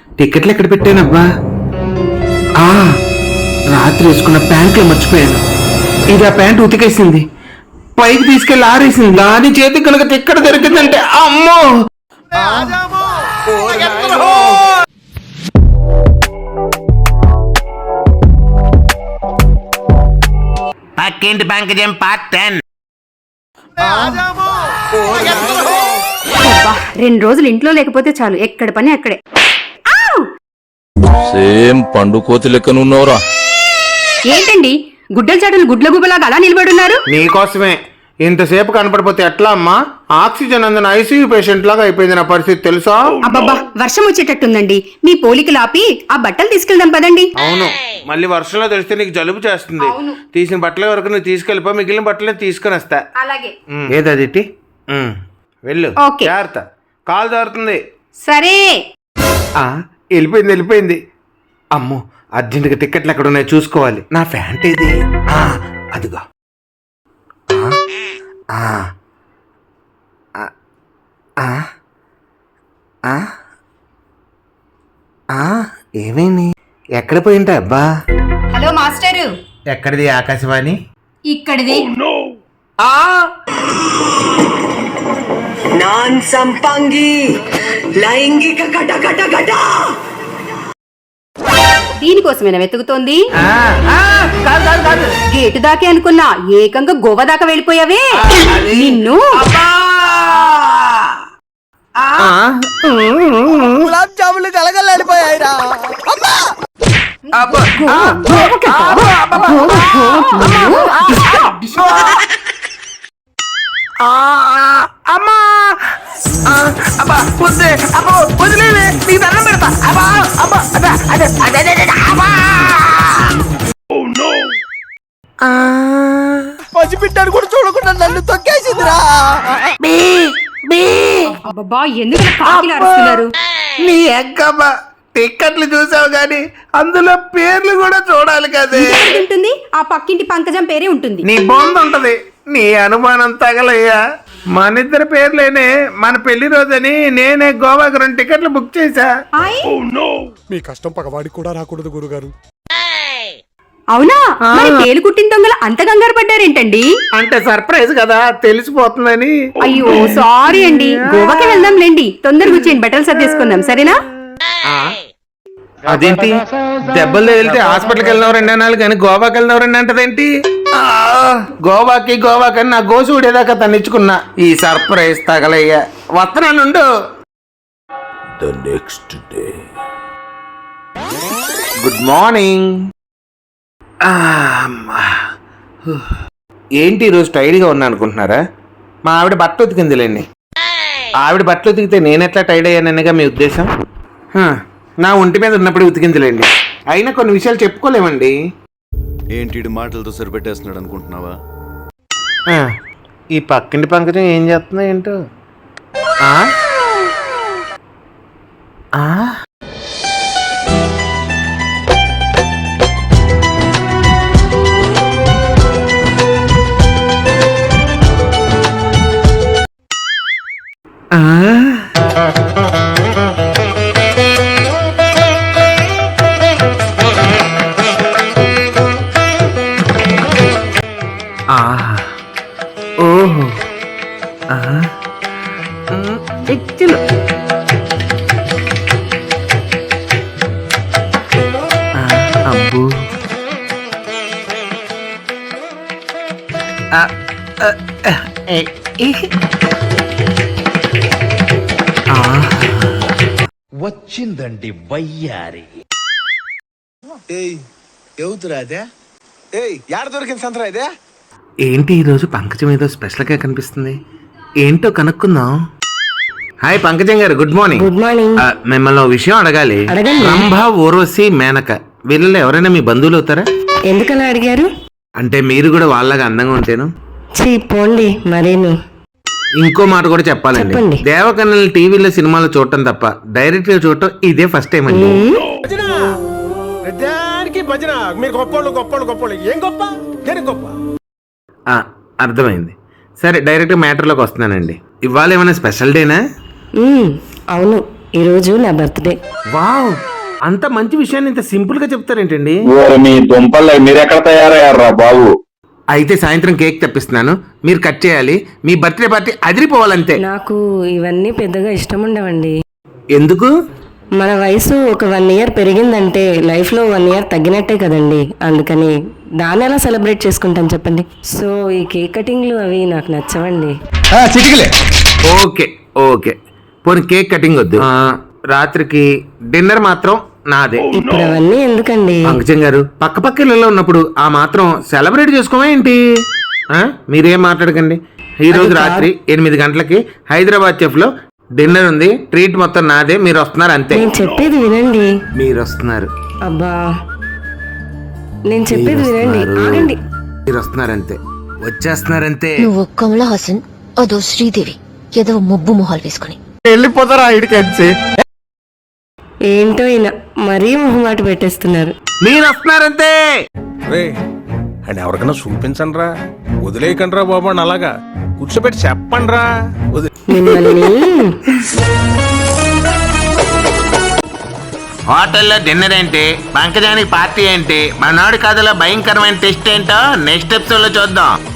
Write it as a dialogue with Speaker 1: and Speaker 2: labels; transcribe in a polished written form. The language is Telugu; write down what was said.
Speaker 1: టికెట్లు ఎక్కడ పెట్టానబ్బా? రాత్రి వేసుకున్న ప్యాంట్లో మర్చిపోయాను. ఇది ఆ ప్యాంట్ ఉతికేసింది, పైకి తీసుకెళ్లి ఆరేసింది. దాని చేతి కనుక టిక్కెట్ దొరికిందంటే అమ్మో! పక్కింటి పంకజం పార్ట్ 10.
Speaker 2: 2 రోజులు ఇంట్లో లేకపోతే చాలు, ఎక్కడ పని అక్కడే.
Speaker 3: సేమ్ పండు కోతి లెక్కనున్నావురా.
Speaker 2: ఏంటండి గుడ్డల చాటలు గుడ్ల గుబలాగా అలా నిలబడున్నారు?
Speaker 1: నీకోసమే. ఇంతసేపు కనపడిపోతే ఎట్లా అమ్మా? ఆక్సిజన్ అందిన ఐసీయూ పేషెంట్ లాగా అయిపోయింది నా పరిస్థితి, తెలుసా?
Speaker 2: అబ్బబ్బా, వర్షం వచ్చేటట్టుందండి. మీ పోలికలు ఆపి ఆ బట్టలు తీసుకెళ్దాం పదండి.
Speaker 1: అవును, మళ్ళీ వర్షంలో తెలిస్తే నీకు జలుబు చేస్తుంది. తీసిన బట్టల వరకు నువ్వు తీసుకెళ్ళిపో, మిగిలిన బట్టలే తీసుకొని వస్తా.
Speaker 2: అలాగే.
Speaker 1: ఏదది? వెళ్ళు,
Speaker 2: ఓకే.
Speaker 1: జాగ్రత్త, కాలు జారుతుంది.
Speaker 2: సరే.
Speaker 1: వెళ్ళిపోయింది. అమ్మో, అర్జెంటుగా టికెట్లు ఎక్కడ ఉన్నాయో చూసుకోవాలి. నా ఫ్యాంట్ ఇది. అదిగో. ఏమైంది? ఎక్కడ పోయింటా అబ్బా?
Speaker 2: Hello master.
Speaker 1: ఎక్కడిది ఆకాశవాణి?
Speaker 2: ఇక్కడిది.
Speaker 4: నాన్ సంపంగి లైంగిక కట
Speaker 2: దీనికోసమేనా వెతుకుతోంది? గేటు దాకే అనుకున్నా, ఏకంగా గోవా దాకా వెళ్ళిపోయావే. నిన్ను
Speaker 4: గులాబ్ జాములు కలగలాడిపోయాయిరా. పసిపిట్టాడు కూడా చూడకుండా నన్ను తొక్కేసిందిరా.
Speaker 2: అబ్బబ్బా, ఎందుకు కాకిలా అరుస్తున్నారు?
Speaker 1: నీ ఎక్కమ్మ, టిక్కెట్లు చూసావు గాని అందులో పేర్లు కూడా చూడాలి కదే.
Speaker 2: ఉంటుంది, ఆ పక్కింటి పంకజం పేరే ఉంటుంది.
Speaker 1: నీ బొంద ఉంటది. నీ అనుమానం తగలయ్యా. మన ఇద్దరి పేర్లేనే. మన పెళ్లి రోజని నేనే గోవాకి 2 టికెట్లు బుక్ చేశా.
Speaker 5: మీ కష్టం పగవాడికి కూడా రాకూడదు గురుగారు.
Speaker 2: అవునా? మరి పేలు కుట్టిన దొంగలు అంత కంగారు పడ్డారేంటండి?
Speaker 1: అంటే సర్ప్రైజ్ కదా, తెలిసిపోతుందని.
Speaker 2: అయ్యో సారీ అండి. గోవాకి వెళ్దాంలేండి. తొందరగా వచ్చేయండి, బట్టలు సర్దేసుకుందాం, సరేనా?
Speaker 1: అదేంటి, దెబ్బలు వెళ్తే హాస్పిటల్కి వెళ్ళినవరండి అనాలి కానీ గోవాకి వెళ్ళినవరండి అంటదేంటి? గోవాకి నా గోసు ఊడేదాకా తన్నిచ్చుకున్నా. ఈ సర్ప్రైజ్ తగలయ్యా. వస్తున్నానుండు.
Speaker 3: The next day.
Speaker 1: Good morning. ఏంటి ఈరోజు టైర్డ్గా ఉన్నా అనుకుంటున్నారా? మా ఆవిడ బట్టలు ఉతికిందిలేండి. ఆవిడ బట్టలు ఉతికితే నేనెట్లా టైర్డ్ అయ్యాననేగా మీ ఉద్దేశం? నా ఒంటి మీద ఉన్నప్పుడు ఉతికిందిలేండి. అయినా కొన్ని విషయాలు చెప్పుకోలేమండి.
Speaker 6: ఏంటి మాటలతో సరిపెట్టేస్తున్నాడు అనుకుంటున్నావా?
Speaker 1: ఈ పక్కింటి పంకజం ఏం చేస్తుందో ఏంటో. ఓహో, చిచ్చులు. అబ్బో,
Speaker 7: వచ్చిందండి వయ్యారి.
Speaker 6: ఎవతురా అదే? యాడ దొరికింది సంతరా ఇదే?
Speaker 1: ఏంటి ఈరోజు పంకజం ఏదో స్పెషల్గా కనిపిస్తుంది. ఏంటో కనుక్కుందాం. హాయ్ పంకజం గారు, గుడ్ మార్నింగ్.
Speaker 4: Good morning.
Speaker 1: మిమ్మల్ని ఓ విషయం అడగాలి. రంభ, ఊర్వశి, మేనక వీళ్ళలో ఎవరైనా మీ బంధువులు అవుతారా?
Speaker 4: ఎందుకలా అడిగారు?
Speaker 1: అంటే మీరు కూడా వాళ్ళగా అందంగా ఉంటేను.
Speaker 4: పోండి మరేమి.
Speaker 1: ఇంకో మాట కూడా చెప్పాలండి.
Speaker 4: చెప్పండి.
Speaker 1: దేవకన్యలు టీవీలో సినిమాలో చూడటం తప్ప డైరెక్ట్ గా చూడటం ఇదే ఫస్ట్ టైం అండి.
Speaker 5: భజన మీరు గొప్పోళ్ళు ఏం గొప్ప దేనికి గొప్ప?
Speaker 1: అర్థమైంది. సరే, డైరెక్ట్ మ్యాటర్లోకి వస్తున్నానండి. ఇవాళ ఏమైనా స్పెషల్ డేనా?
Speaker 4: అవును, ఈరోజు నా బర్త్డే.
Speaker 1: వావ్, అంత మంచి విషయాన్ని ఇంత సింపుల్ గా చెప్తారేంటండి?
Speaker 8: మీ దుంపల్లో మీరెక్కడ తయారయ్యారా బాబు?
Speaker 1: అయితే సాయంత్రం కేక్ తెప్పిస్తున్నాను, మీరు కట్ చేయాలి. మీ బర్త్డే పార్టీ అదిరిపోవాలంతే.
Speaker 4: నాకు ఇవన్నీ పెద్దగా ఇష్టం ఉండవండి.
Speaker 1: ఎందుకు?
Speaker 4: మన వయసు ఒక 1 year పెరిగిందంటే లైఫ్లో 1 year తగ్గినట్టే కదండి. అందుకని దాన్ని ఎలా సెలబ్రేట్ చేసుకుంటాను చెప్పండి. సో ఈ కేక్ కటింగ్లు అవి నాకు నచ్చవండి.
Speaker 3: చిటికలే.
Speaker 1: ఓకే ఓకే, పోనీ కేక్ కటింగ్ వద్దు. రాత్రికి డిన్నర్ మాత్రం నాదే.
Speaker 4: ఇప్పుడు అవన్నీ ఎందుకండి?
Speaker 1: పంకజం గారు, పక్క పక్క ఇళ్ళలో ఉన్నప్పుడు ఆ మాత్రం సెలబ్రేట్ చేసుకోవా ఏంటి? మీరేం మాట్లాడకండి. ఈ రోజు రాత్రి 8 గంటలకి హైదరాబాద్ చెఫ్ లో డిన్నర్ ఉంది. ట్రీట్ మొత్తం నాదే, మీరు వస్తున్నారు అంతే.
Speaker 4: నేను చెప్పేది వినండి.
Speaker 1: మీరు వస్తున్నారు.
Speaker 4: అబ్బా, నేను చెప్పేది వినండి. ఆగండి.
Speaker 1: మీరు వస్తున్నారంతే, వచ్చేస్తున్నారంతే.
Speaker 9: నువ్వు కమలా హాసన్, అదో శ్రీదేవి, ఏదో మొబ్బు మొహాలు వేసుకుని
Speaker 5: వెళ్ళిపోతారా ఇడికెచ్చి?
Speaker 4: ఏంటో ఈయన మరీ మొహమాట పెట్టేస్తున్నారు.
Speaker 1: మీరు వస్తున్నారంతే.
Speaker 5: రే అండ్ ఎవరికైనా చూపించండి రా, వదిలేయకండి రా బాబు అని అలాగా కూర్చోబెట్టి చెప్పండి రా.
Speaker 4: మిమ్మల్ని
Speaker 1: హోటల్లో డిన్నర్ ఏంటి, పంకజానికి పార్టీ ఏంటి, మనోడి కథలో భయంకరమైన టెస్ట్ ఏంటో నెక్స్ట్ ఎపిసోడ్ లో చూద్దాం.